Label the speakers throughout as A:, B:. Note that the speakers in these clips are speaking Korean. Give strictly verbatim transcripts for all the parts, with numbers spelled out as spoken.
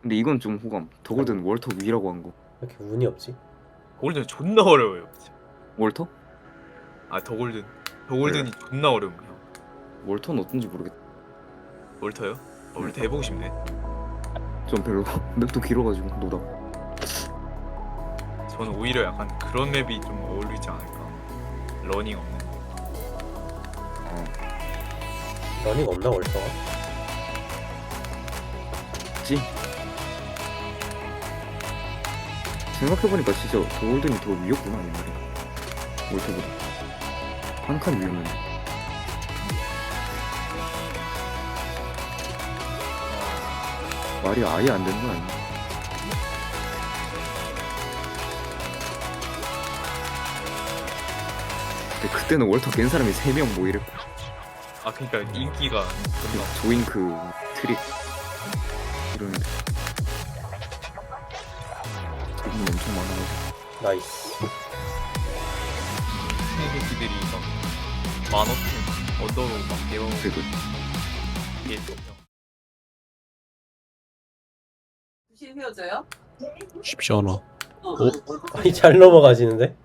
A: 근데 이건 좀 호감. 더골든 월터 위라고 한 거.
B: 왜 이렇게 운이 없지?
C: 더골든 존나 어려워요.
A: 월터?
C: 아 더골든 더골든이 존나 어려운 형.
A: 월터는 어떤지 모르겠다.
C: 월터요? 어, 월터 해보고 싶네.
A: 좀 별로 맵도 길어가지고 노다.
C: 저는 오히려 약간 그런 맵이 좀 어울리지 않을까. 러닝 없는 거.
B: 러닝 없나 월터가?
A: 그치? 생각해보니까 진짜 더골든이 더 위였구나 옛날에. 월터보다 한 칸 위였는데. 말이 아예 안 되는 거 아니야? 근데 그때는 월터 깬 사람이 세 명 뭐 이랬고.
C: 아 그러니까 인기가 존나.
A: 조잉크 트릭 이런 기분이 엄청 많아가지고.
B: 나이스.
C: 새끼들이 막 만원쯤 언더로 막 내려오고
A: 그래도
C: 이게 좀 형.
D: 두시 헤어져요?
E: 쉽지 않아.
D: 어.
B: 아니 잘 넘어가지는데?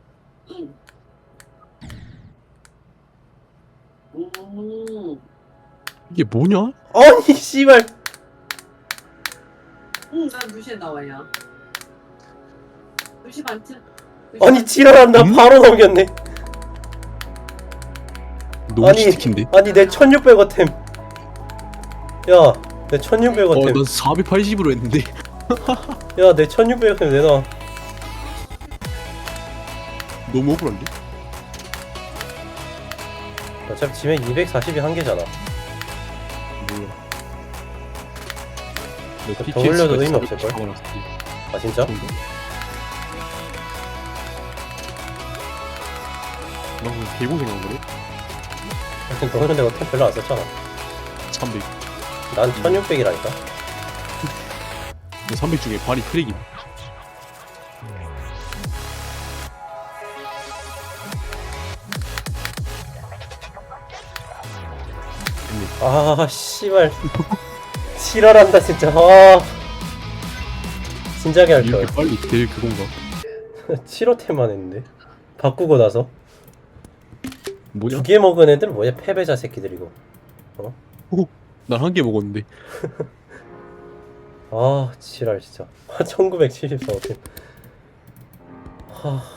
D: 음.
E: 이게 뭐냐?
B: 아니 씨발.
D: 응, 난 두시에 나와요. 두시 반쯤.
B: 아니 지랄한다.
E: 음?
B: 바로 넘겼네.
E: 너무
B: 아니,
E: 치트킨데?
B: 아니 내 천육백 워템. 야, 내 천육백
E: 어,
B: 워템.
E: 난 사백팔십으로 했는데.
B: 야, 내 천육백 워템 내놔.
E: 너무 억울한데?
B: 어차피 지면 이백사십이 한계잖아.
E: 몰라.
B: 더 올려도 의미 없을걸? 아 진짜?
E: 나 그냥 개고생한 거래?
B: 너는 내가 템 별로 안 썼잖아.
E: 삼백.
B: 난 천육백이라니까.
E: 삼백 중에 반이 트랙이.
B: 아 씨발. 지랄한다 진짜. 아 진작에 할걸.
E: 이렇게 빨리 될 그건가?
B: 칠 호템만 했는데 바꾸고 나서
E: 뭐냐?
B: 두 개 먹은 애들 뭐야? 패배자 새끼들이고.
E: 난 한 개 먹었는데.
B: 아 지랄 진짜. 천구백칠십사 호템. 하